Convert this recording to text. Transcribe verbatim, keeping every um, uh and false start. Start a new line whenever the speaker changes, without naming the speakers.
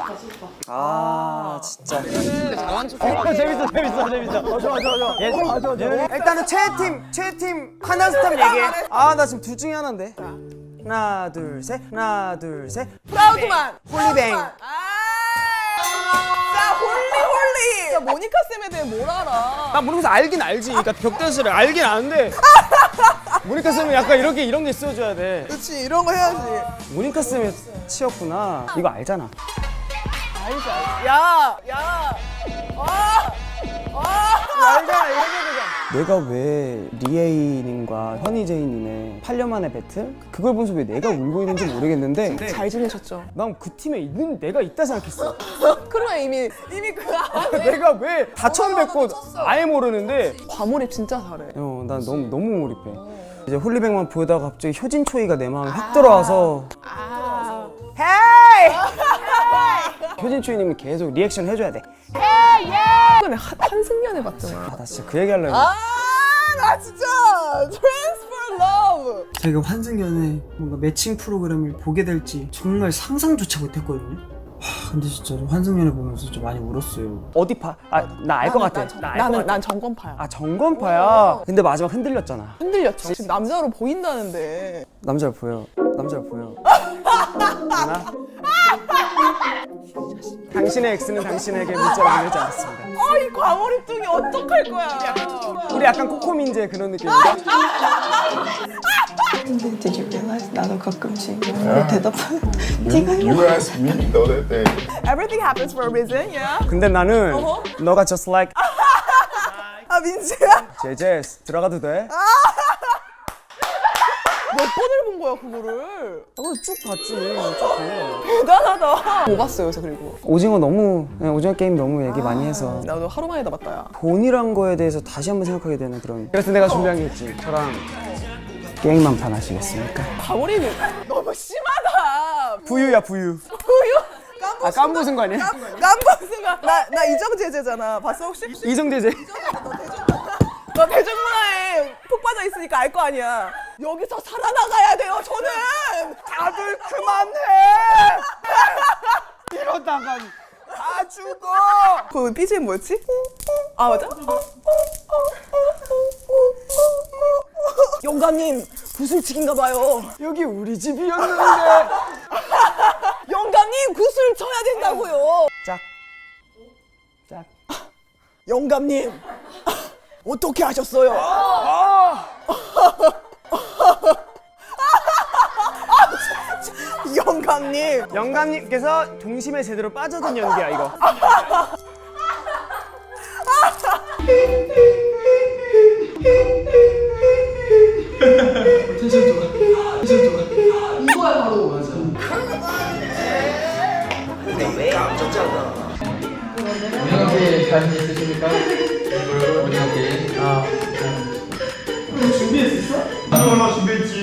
아 진짜.
잘한 척.
어, 재밌어 재밌어 재밌어. 어, 좋아 좋아 좋아. 얘, 좋아 좋아 좋아. 일단은 최애팀 최애팀 하나 스탑 얘기해. 아 나 지금 둘 중에 하나인데. 하나 둘 셋. 하나 둘 셋.
프라우드만.
홀리뱅.
아. 자 홀리 홀리. 야 모니카 쌤에 대해 뭘 알아?
나 모르면서 알긴 알지. 그러니까 벽댄스를 알긴 아는데. 모니카 쌤은 약간 이렇게 이런 게 있어줘야 돼.
그렇지 이런 거 해야지.
모니카 쌤이 치였구나. 이거 알잖아.
알지 알지. 야 야. 아. 아.
알잖아 이런 거잖아. 내가 왜 리에이님과 현이제이님의 팔 년 만에 배틀? 그걸 보면서 왜 내가 울고 있는지 모르겠는데
잘 지내셨죠?
난 그 팀에 있는 내가 있다 생각했어.
그러면 이미 이미 그 안에
내가 왜 다 처음 뵙고 아예 모르는데
과몰입 진짜 잘해.
어, 난 너무 너무 몰입해. 이제 홀리뱅만 보다가 갑자기 효진 초이가 내 마음에 확 들어와서
아.
헤이! 효진 초이님이 계속 리액션 해줘야 돼.
최근에 한승연애 봤잖아.
아, 나 진짜 그 얘기 하려고.
아, 나 진짜 Transfer Love.
제가 환승연의 뭔가 매칭 프로그램을 보게 될지 정말 상상조차 못했거든요. 하, 근데 진짜로 환승연애 보면서 좀 많이 울었어요.
어디 파? 아, 나 알 것 같아.
난,
나 알 것
나는
같아.
난 정권파야.
아, 정건파야. 근데 마지막 흔들렸잖아.
흔들렸죠. 지금 남자로 보인다는데.
남자를 보여. 남자를 보여. 하나? 당신의 엑스는 당신에게 문자를 보내지 않았습니다.
어, 이 과몰입증이 어떡할 거야.
우리 약간 코코민재 그런 느낌인가?
Did you realize 나도 가끔씩 영어로 대답하는 네가
You asked me to know that thing.
Everything happens for a reason, yeah.
근데 나는 너가 just like
아, 민지야?
제제 들어가도 돼?
몇 번을 본 거야, 그거를?
어, 쭉 봤지. 쭉 봐.
대단하다. 뭐 봤어요, 요새 그리고?
오징어 너무 네, 오징어 게임 너무 얘기 많이 해서
나도 하루 만에 다 봤다, 야.
돈이란 거에 대해서 다시 한번 생각하게 되는 그런. 그래서 내가 준비한 게 있지. 저랑 게임만 판 하시겠습니까?
과몰입이 너무 심하다.
부유야 부유.
부유?
아 깜부순 거 아니야?
깜빡스가 나, 나 이정재재잖아. 봤어, 혹시?
이정재재.
너 대중문화에 푹 빠져 있으니까 알 거 아니야. 여기서 살아나가야 돼요, 저는.
다들 그만해. 이러다가 다 죽어.
그 비지엠 뭐였지? 아 맞아? 영감님 구슬치기인가 봐요.
여기 우리 집이었는데.
영감님 구슬 쳐야 된다고요.
짝. 짝.
영감님 어떻게 하셨어요? 영감님
영감님께서 동심에 제대로 빠져든 연기야 이거.
오징어 게임 자신 있으십니까? 오징어 게임. 아.
준비했었어? 나는 얼마 준비했지.